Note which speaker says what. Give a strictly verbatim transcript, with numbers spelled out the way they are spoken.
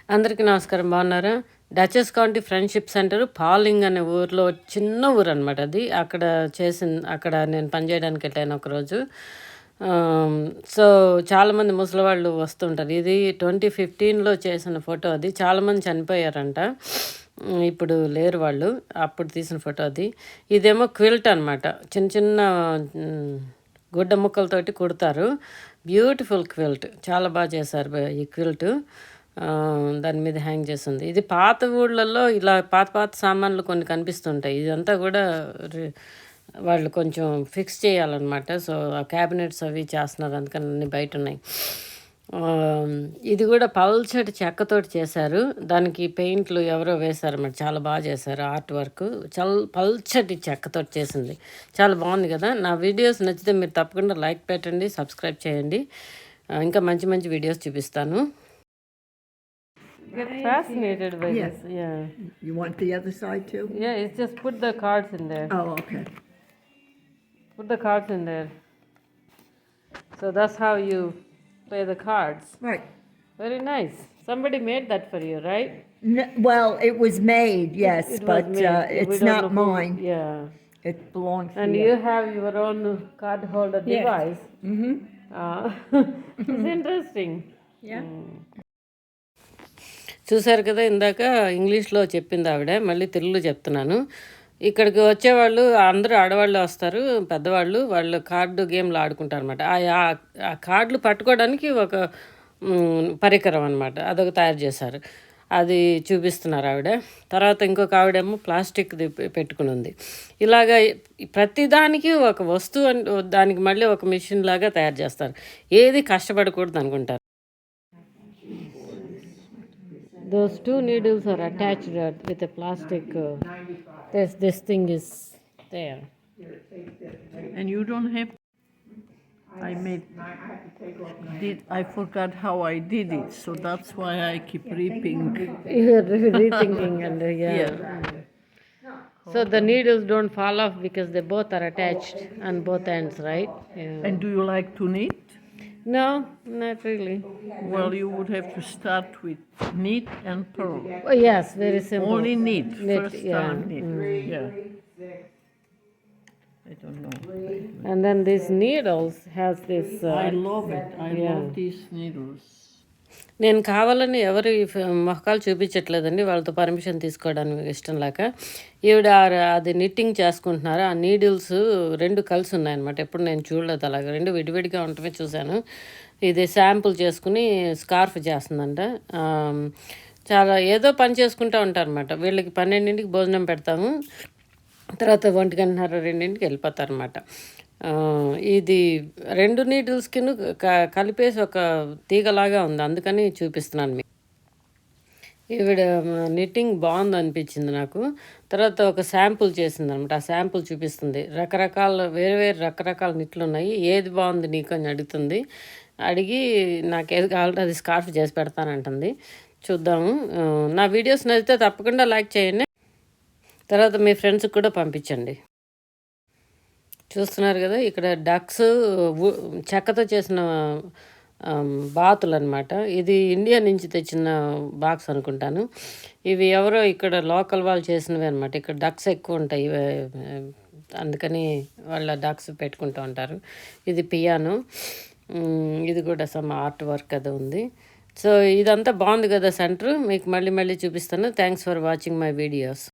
Speaker 1: అందరికీ నమస్కారం. బాగున్నారా? Dutchess County Friendship Center Pawling అనే ఊర్లో చిన్న ఊరు అనమాట అది. అక్కడ చేసిన అక్కడ నేను పనిచేయడానికి వెళ్ళాను ఒకరోజు. ఆమ్, సో చాలామంది ముసలివాళ్ళు వస్తుంటారు. ఇది ట్వంటీ ఫిఫ్టీన్లో చేసిన ఫోటో అది. చాలామంది చనిపోయారంట. ఉమ్, ఇప్పుడు లేరు వాళ్ళు. అప్పుడు తీసిన ఫోటో అది. ఇదేమో క్విల్ట్ అనమాట. చిన్న చిన్న ఉమ్, గుడ్డ ముక్కలతోటి కుడతారు. Beautiful quilt. చాలా బాగా చేశారు బ- ఈ క్విల్ట్. ఆ, దాని మీద హ్యాంగ్ చేస్తుంది. ఇది పాత ఊళ్ళల్లో ఇలా పాత పాత సామాన్లు కొన్ని కనిపిస్తుంటాయి. ఇదంతా కూడా రి- వాళ్ళు కొంచెం ఫిక్స్ చేయాలన్నమాట. సో ఆ క్యాబినెట్స్ అవి చేస్తున్నారు, అందుకని అన్ని బయట ఉన్నాయి. ఆ, ఇది కూడా పల్చటి చెక్కతోటి చేశారు. దానికి పెయింట్లు ఎవరో వేశారన్నమాట. చాలా బాగా చేశారు ఆర్ట్ వర్క్. చల్ పల్చటి చెక్కతోటి చేసింది. చాలా బాగుంది కదా. నా వీడియోస్ నచ్చితే మీరు తప్పకుండా లైక్ పెట్టండి, సబ్స్క్రైబ్ చేయండి. ఆ, ఇంకా మంచి మంచి వీడియోస్ చూపిస్తాను. Get fascinated by
Speaker 2: Yeah.
Speaker 1: this. Yeah.
Speaker 2: You want the other side too?
Speaker 1: Yeah, it's just put the cards in there.
Speaker 2: Oh, okay.
Speaker 1: Put the cards in there. So that's how you play the cards.
Speaker 2: Right.
Speaker 1: Very nice. Somebody made that for you, right?
Speaker 2: N- well, it was made, yes,
Speaker 1: It was
Speaker 2: but
Speaker 1: made.
Speaker 2: uh,
Speaker 1: We
Speaker 2: it's
Speaker 1: don't
Speaker 2: not
Speaker 1: know who-
Speaker 2: mine.
Speaker 1: Yeah.
Speaker 2: It belongs to
Speaker 1: And
Speaker 2: you.
Speaker 1: you have your own card holder
Speaker 2: Yes.
Speaker 1: device.
Speaker 2: Mm-hmm.
Speaker 1: Uh, it's interesting.
Speaker 2: Yeah.
Speaker 1: చూశారు కదా, ఇందాక ఇంగ్లీష్లో చెప్పింది ఆవిడ, మళ్ళీ తెలుగులో చెప్తున్నాను. ఇక్కడికి వచ్చేవాళ్ళు అందరూ ఆడవాళ్ళు వస్తారు, పెద్దవాళ్ళు. వాళ్ళు కార్డు గేమ్లు ఆడుకుంటారు అనమాట. ఆ కార్డులు పట్టుకోవడానికి ఒక మ్, పరికరం అనమాట, అదొక తయారు చేశారు. అది చూపిస్తున్నారు ఆవిడ. తర్వాత ఇంకొక ఆవిడేమో ప్లాస్టిక్ది పె- పెట్టుకుని ఉంది. ఇలాగ ప్రతిదానికి ఒక వస్తువు అన్- దానికి మళ్ళీ ఒక మిషన్ లాగా తయారు చేస్తారు. ఏది కష్టపడకూడదు అనుకుంటారు. Those two needles are attached uh, with a plastic. Uh, this this thing is there.
Speaker 3: And you don't have. I made. Did I forgot how I did it, so that's why I keep reaping.
Speaker 1: You're rethinking and uh, yeah.
Speaker 3: Yeah.
Speaker 1: So the needles don't fall off because they both are attached on both ends, right? Yeah.
Speaker 3: And do you like to knit?
Speaker 1: No, not really.
Speaker 3: Well, you would have to start with knit and purl.
Speaker 1: Oh, yes, very simple.
Speaker 3: Only knit.
Speaker 1: Knit,
Speaker 3: First
Speaker 1: yeah.
Speaker 3: time knit. Yeah. I don't know.
Speaker 1: And then these needles has this. Uh,
Speaker 3: I love it. I
Speaker 1: yeah.
Speaker 3: love these needles.
Speaker 1: నేను కావాలని ఎవరి ఫ- మొహకాలు చూపించట్లేదండి, వాళ్ళతో permission తీసుకోవడానికి ఇష్టం లేక. ఈవిడ ఆ- అది నిట్టింగ్ చేసుకుంటున్నారు. ఆ నీడిల్స్ రెండు కలిసి ఉన్నాయన్నమాట. ఎప్పుడు నేను చూడలేదు అలాగ. రెండు విడివిడిగా ఉండటమే చూశాను. ఇది శాంపుల్ చేసుకుని స్కార్ఫ్ చేస్తుందంట. ఆమ్, చాలా ఏదో పని చేసుకుంటూ ఉంటారన్నమాట. వీళ్ళకి పన్నెండింటికి భోజనం పెడతాము, తర్వాత ఒంటి గంటన్నర రెండింటికి వెళ్ళిపోతారన్నమాట. ఆ, ఇది రెండు నీడిల్స్కి కలిపేసి ఒక తీగలాగా ఉంది, అందుకని చూపిస్తున్నాను మీకు. ఈవిడ నిట్టింగ్ బాగుంది అనిపించింది నాకు. తర్వాత ఒక శాంపుల్ చేసింది అనమాట. ఆ శాంపుల్ చూపిస్తుంది. రకరకాల వేరే వేరే రకరకాల నిట్లు ఉన్నాయి. ఏది బాగుంది నీకు అని అడుగుతుంది. అడిగి నాకు ఏది కావాలంటే అది స్కార్ఫ్ చేసి పెడతానంటుంది. చూద్దాము. ఆ, నా వీడియోస్ నచ్చితే తప్పకుండా లైక్ చేయండి. తర్వాత మీ ఫ్రెండ్స్కి కూడా పంపించండి. చూస్తున్నారు కదా, ఇక్కడ డక్స్ వు- చెక్కతో చేసిన ఆమ్, బాతులు అనమాట. ఇది ఇండియా నుంచి తెచ్చిన బాక్స్ అనుకుంటాను. ఇవి ఎవరో ఇక్కడ లోకల్ వాళ్ళు చేసినవి అనమాట. ఇక్కడ డక్స్ ఎక్కువ ఉంటాయి, ఇవే, అందుకని వాళ్ళ డక్స్ పెట్టుకుంటూ ఉంటారు. ఇది పియానో. ఉమ్, ఇది కూడా సమ్ ఆర్ట్ వర్క్ అది ఉంది. సో ఇదంతా బాగుంది కదా సెంటర్. మీకు మళ్ళీ మళ్ళీ చూపిస్తాను. Thanks for watching my videos.